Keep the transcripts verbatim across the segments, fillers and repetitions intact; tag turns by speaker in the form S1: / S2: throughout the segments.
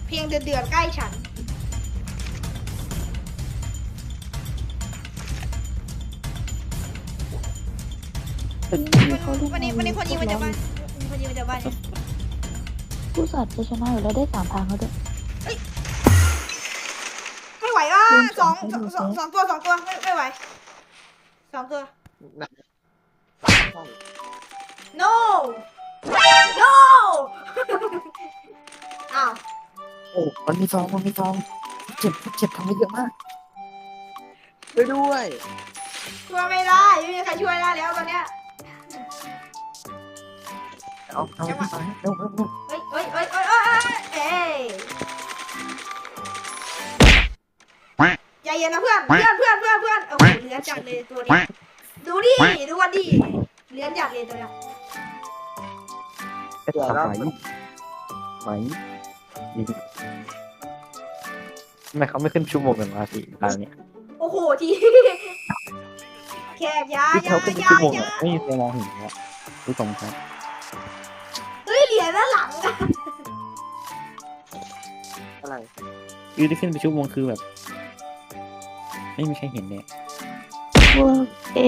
S1: เพียงเดือดๆใกล้ฉันวันนี้วันนี้คนยิงมาจากบ้านคนยิงมาจากบ้านเนี่ย
S2: ผู้สัตว์จะชนะอยู่แล้วได้สามทางแล้วด้วย
S1: ไม่ไหวอ่ะสองสองสองสองตัวสองตัวไม่ไม่ไหวสองตัว no no อ้าว
S3: โอ้มันมีซองมันมีซองเจ็บเจ็บทำไปเยอะมากช่วยด้วย
S1: ช่วยไม่ได้ไม่มีใครช่วยได้แล้วตอนเนี้ย
S3: เอาเอาไปเร็วเร็วเร็ว
S1: เฮ้ยเฮ้ยเฮ้ยเฮ้ยเฮ้ยเอ้ยใจเย็นนะเพื่อนเพื่อนเพื่อนเพื่อนเพื่อนโอ้โหเลือนจัดเลยตัวนี้ดูดิดูวันดิเลือนจัดเลยตัวเนี้ย
S3: เดี๋ยวเราไหมนี่ทำไมเขาไม่ขึ้นชั่วโมงกันมาสิทางเนี้ย
S1: โอ้โหทีแขกยา
S3: ที่
S1: ยา
S3: เขาขึ้น
S1: ยา
S3: ชั่วโมง
S1: ยา
S3: อ่ะไม่มีใครมองเห็นแล้วดูตรงครับ
S1: เฮ้ยเหรียญด้านหลังอะ
S3: อะไร
S4: ยืดขึ้นไปชั่วโมงคือแบบ ไม่มีใครเห็นเนี่ย
S2: พวกเอง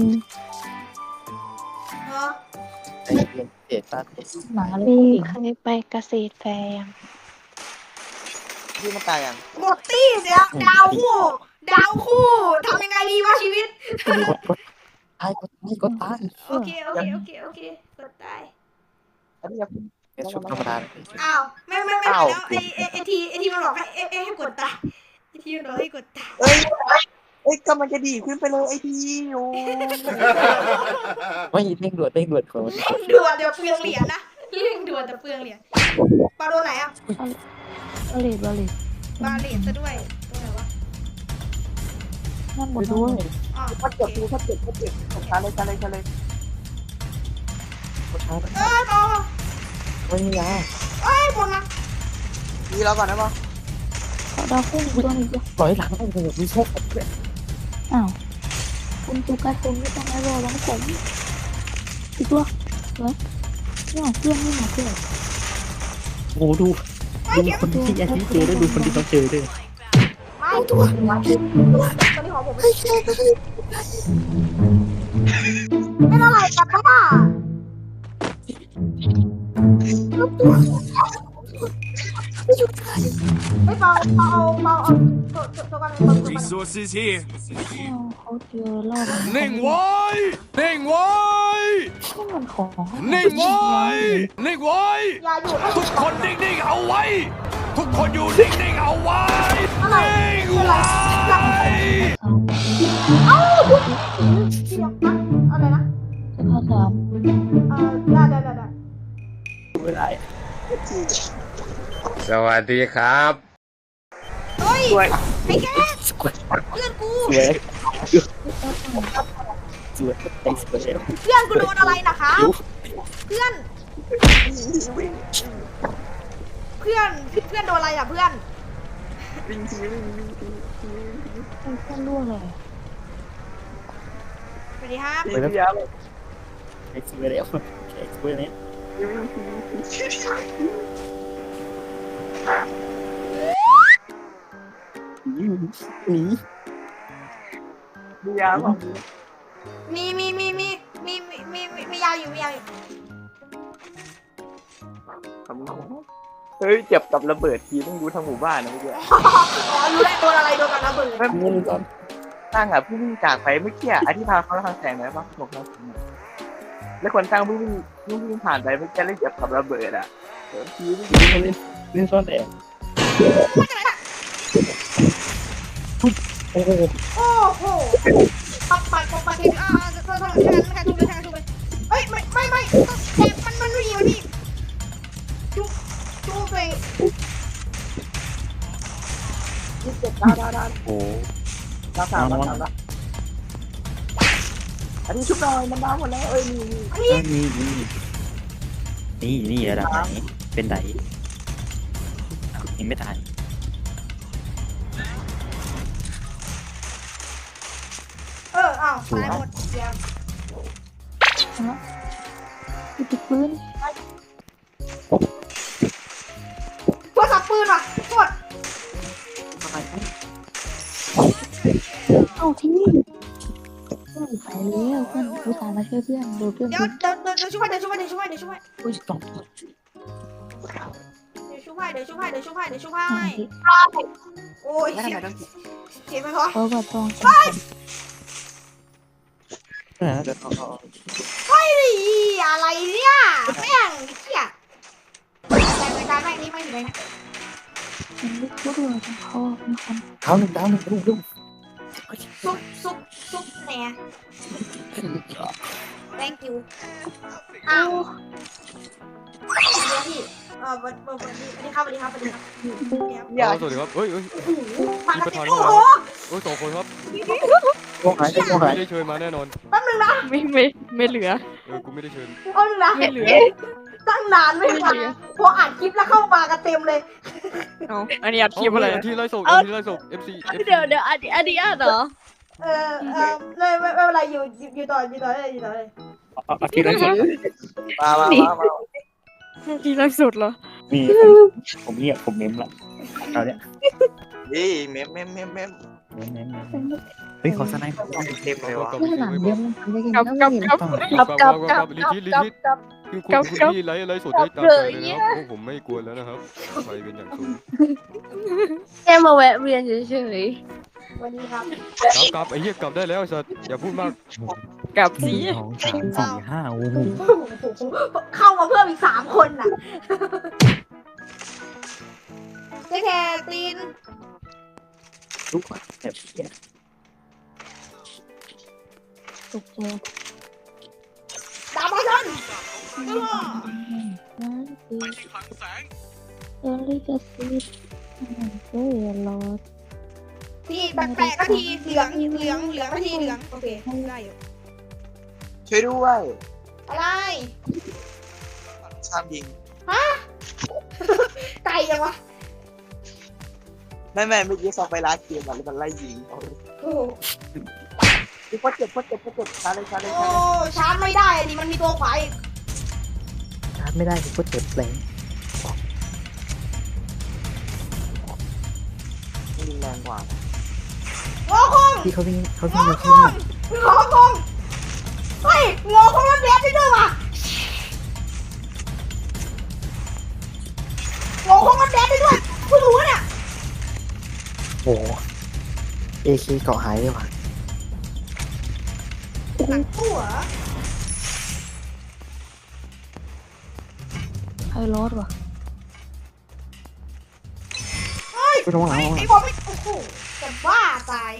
S1: เนาะ
S3: ไอ้เรียนเศษตาเศษ
S2: หมาเลย
S5: มี
S2: ผู้หญิง
S5: ใครไปเกษตรแฟร์ยัง
S3: ที่มันตายยัง
S1: หมดตี้เสียดาวคู่ดาวคู่ทำยังไงดีวะชีวิต
S3: กดกดตายกดตายกดตาย
S1: โอเคโอเคโอเคโอเคกดตาย
S3: อันนี้เป็นชุดธรรมดา
S1: อ้าวไม่ไม่ไม่แล้วไอไอไอทีไอทีมันบอกให้ไอไอให้กดตายไอทีมันบอกให้กดตาย
S3: เอ้ยเอ้ยก็มันจะดีขึ้นไปเลยไอ้ทีโอ้ไม่เร่งด่วนเร่งด่วนคน
S1: เร่งด่วนเดี๋ยวเปลืองเหรียญนะเร่งด่วนแต่เปลืองเหรียญปลาโดนไหนอ่ะ
S2: บาเลตบาเลต
S1: ปลาเหรียญซะด้วยตัวไหนวะ
S2: นั่นหม
S3: ไป
S2: ด
S3: ด้วย
S1: อ๋อ
S3: ถ้าเจ็บดูถ้าเจ็บถ้าเจ็บตกช้าเลยช้าเลยช้าเลยกดช้า
S1: เอ้ยต่อ
S3: ไม่มียา
S1: เอ้ยบนนะ
S3: ดีแล้วก่อนนะมั้ง
S2: เขาดาวพุ่งอีกตัวหนึงด้วย
S3: ปล่อยหลังโอ้โหมีโชคด้วย
S2: อ้าวคุณตูการ์ตูนไม่ต้องให้รอร้องผมอีกตัวเหรอเนี่ยเพื่อนนี่หมาเพื่อน
S4: โอ้ดูดูคนที่อาทิตย์เจอด้วยดูคนที่เขาเจอด้วย
S1: ไม่ตัวตัวนี้ของผมเป็นอะไรกันป้าไม่เปล่าเปล่าเปล่าเอาตัวตัวกันตัวกัน
S6: Resources here.
S2: อ้าวเขาเจอรอบ
S6: นิ่งไว้นิ่งไว้
S2: นี่มันของ
S6: นิ่งไว้นิ่งไว้
S1: อย่าอยู่
S6: ทุกคนนิ่งๆเอาไว้ ทุกคนอยู่นิ่งๆเอาไว้นิ่งไว้
S1: เอ้าที่เดียวนะอะไรนะ
S2: จะพาสาม
S1: เออได้ได้ได้ได้
S3: ไม่ได้
S6: สวัสดีครับ
S1: เฮ้ย
S3: สวย
S1: ไอ้แค่
S3: สวย
S1: เพื่อนกู
S3: สวยสวยไอ้สวย
S1: เพื่อนกูโดนอะไรนะคะเพื่อนเพื่อนเพื่อนโดนอะไรอ่ะเพื่อน
S3: วิ่งทีวิ่งวิ่งที
S2: ไอ้เพื่อนร่วงเลย
S1: สวัสดีครับ
S3: วิ่งยาว
S4: ไอ้สวยแล้วไอ้สวยเนี่ย
S3: หนีหนียาว
S1: มีมีมีมีมีมีมีมีมียาวอยู่มียาวอยู่
S3: เฮ้ยเจ็บกับระเบิดทีต้องดูทั้งหมู่บ้านนะเมื่อกี้
S1: อ๋อรู้ได้โดนอะไรโดนกับระเบิด
S3: ไม่พูดตอนตั้งอ่ะผู้วิ่งจากไปเมื่อกี้อธิพาเขาทางแสงไหนบ้างบอกเราแล้วคนตั้งผู้วิ่งผู้วิ่งผ่านไปเมื่อกี้เลยเจ็บกับระเบิดอ่ะเดี๋ยวทีวิ่ง
S4: เล่นเล่นซ่อนแอบโอ้โห
S1: โอ้โหปักปักปักปักเห็นอ่าโทษโทษแทนแทนทุบเลยแทนทุบเลยเฮ้ยไม่ไม่ไม่แทนมันมันไม่ดีมันพี่จุ๊บจุ๊บเลย
S3: เจ็บดาวดาวดาว
S4: โอ้
S3: ดาวสามดาวสามดาวอันนี้ชุบหน่อยมันดาวหมดแล้วเอ้ยนี่นี่
S4: นี่นี่นี่นี่ระดับไหนเป็นไหนยังไม่ตาย
S1: เอออ้าวตายหมดเดี๋ยว
S2: กูติดปืน
S1: พวกสับปืนว่ะ
S2: เอาที่เพื่อนไปแล้วเพื่อนอุตส่าห์มาช่วยเพื่อนโดนเพื่อน
S1: เดี๋ยวเดี๋ยวเดี๋ยวเดี๋ยวช่วยเดี๋ยวช่วยเดี๋ยวช่วยเดี๋ยวช่วย
S2: อุ้ยตก
S1: เดี๋ยวช่วยเดี๋ยวช่วยเดี๋ยวช่วยเดี๋ยวช่วย
S2: หาย
S1: โอ้ย
S3: แล้ว
S1: เสี
S3: ทำ
S1: ย
S3: ไมต้อง
S1: เสียไปพอ
S2: เพราะว่าต้อง
S4: เออเดี๋ยวเอาเอา
S1: เฮ้ยอะไรเนี่ยแม่งเหี้ยแต่รายการแม่งนี่ไม่ถึงเลยนะ
S2: มันไม่พูดเลยเขาเป็นคน
S4: เท้าหนึ่งเท้าหนึ่งลูกลูก
S1: ซุปซุปซุปแหน่ thank you อ้าวเดี๋ยวพี่เออวันวันวันนี้สวัสดีครับสวัสดีครับสวัสดีครับเดี๋ยว
S3: อย่า
S6: สวัสดีครับเฮ้ยเฮ้ย
S1: โอ้โหมากันเต็ม
S6: มีประธาน
S1: โอ้โห
S6: โอ้ยสองคนครับ
S4: โอ้หายโอ้หาย
S6: ไม่ได้เชิญมาแน่นอน
S1: แป๊บนึงนะ
S5: ไม่ไม่ไม่เหลือ
S6: เออ กูไม่ได้เชิญ
S1: แป๊บนึงนะ
S5: ไม่เหลือ
S1: ตั้งนานไม่มาพออัดคลิปแล้วเข้ามากันเต็มเลย
S5: เอาอันนี้อัดคลิปอะไร
S6: เาที่ไล่ส่งเอาที่ไล่ส่ง เอฟ ซี
S5: เดี๋ยวเดี๋ยวอันนี้อันนี้อ่ะเหรอ
S1: เออเออเลยไม่ไม่เป็นไรอยู่อยู่อยู่ต่ออยู่ต่อเลยอยู่ต่อเลย
S4: เอาเอาที่ไรสุด
S3: มามามามา
S5: ที่ล่าสุดเหรอ
S4: นี่ผมผมเงียบผมเม้มละเอาเนี่ย
S3: นี่เมมเมมเมมเมม
S4: เม้มเม้มเม้มเฮ้ยขอสไนป์
S3: เต็มเลยวะ
S6: กลับ
S2: เพื่อนหลังเดียวมันทำได้ยังไง
S5: กลับ
S2: ก็
S5: กลับ
S2: ไม่เห็น
S5: กลับ
S6: กลับกลับกลับรีทิตรีทิตคือคุณคุณพี่ไล่ไล่สดได้ตามใจเลยนะครับพวกผมไม่กลัวแล้วนะครับไปเป็นอย่างสูง
S5: แค่มาแวะเวียนเฉย
S1: วันนี้ครับ
S6: กลับกลับไอ้เหี้ยกลับได้แล้วไอ้สัตว์อย่าพูดมาก
S5: ๆกลับ
S4: ห
S5: สิ
S4: นึ่งสองสามสี่ห้าโอ้โห
S1: เข้ามาเพิ่มอีกสามคนน่ะเจ๊แคตีน
S4: ทุกคนแบบเนี้ย
S2: ตกใจ
S1: ดาบมาชน
S2: นั่นคือเออลิจะซีดเออรอ
S1: พี่แปลกๆก็ทีเหลืองเหลืองเหลืองก็ทีเหลืองโอเคได้อยู่
S3: ช่วยด้วย
S1: อะไร
S3: ชามยิง
S1: ไก่ยังวะ
S3: ไม่ไม่เมื่อกี้ซอฟไปร้านเกมอ่ะแล้วมันไล่ยิง
S1: โอ้โห
S3: พี่พดเจ็บพดเจ็บพดเจ็บชาเลยชาเลย
S1: โอ้
S3: ชาเลย
S1: ชาร์จไม่ได้ดิมันมีตัวขวาอีก
S4: ชาร์จไม่ได้ผมก็เจ็บแรง
S3: ไม่มีแรงกว่า
S1: งอคง
S4: ที่เขาวิ่งเขา
S1: ง
S4: วิ่ง
S1: อ
S4: มา
S1: ค
S4: ที่
S1: ง
S4: นี่
S1: งอคงเฮ้ยงอคงมันแดดได้ด้วยว่ะงอคงมันแดดได้ด้วยเพิ่งรู้เนี่ย
S4: โอ้เอเคเกาะหายเลยว่ะ
S1: หนังตู้เหรอ
S2: ใครรอดวะ
S4: ไม่ต้องหลัง
S1: ไอ้
S4: หลัง
S1: ไอ้บอกไม่โอ้โหแต่บ้าตาย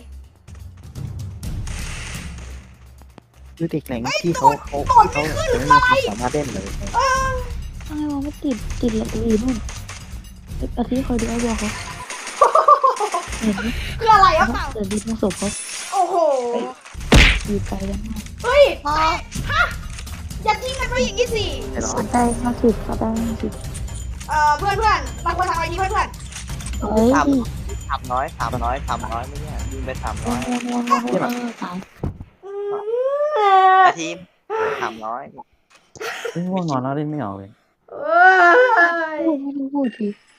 S4: คือเด็กแหล่งที่เขาเขาที่เขาจะไม่มีความสามารถเล่นเลย
S2: อะไรวะไม่ติดติดละตัวอีนู่นอาทิตย์คอยดูไอ้บอกเขาเห็นไหม
S1: คืออะไรอะเปล่า
S2: เดี๋ยวดีตรงศพเขา
S1: โอ้โห
S2: อยู่ไกลกันมาก
S1: เฮ้ยฮะอย่าทิ้งกันไว้อย่างนี้สิ
S4: ไอ้หรอ
S2: เขาได้ห้าสิบเขาได้ห้าสิบ
S1: เอ่อเพื่อนเพื่อนๆบางคนทำอะไรดีเพื่อนเพื่อน
S2: เฮ้ย
S3: ทำน้อยทำน้อยทำน้อยไม่เนี่ยยิงไปทำ
S2: โอ้
S3: น้อย
S2: โหโอ้โหโอ้โหตาย
S1: ๆอืม
S3: อาทีมทำน้อย
S4: ไม่ง่วงนอนแล้วเล่นไม่ออกเลย
S1: เอ้ย
S2: โอ้ไม่รู้พูดที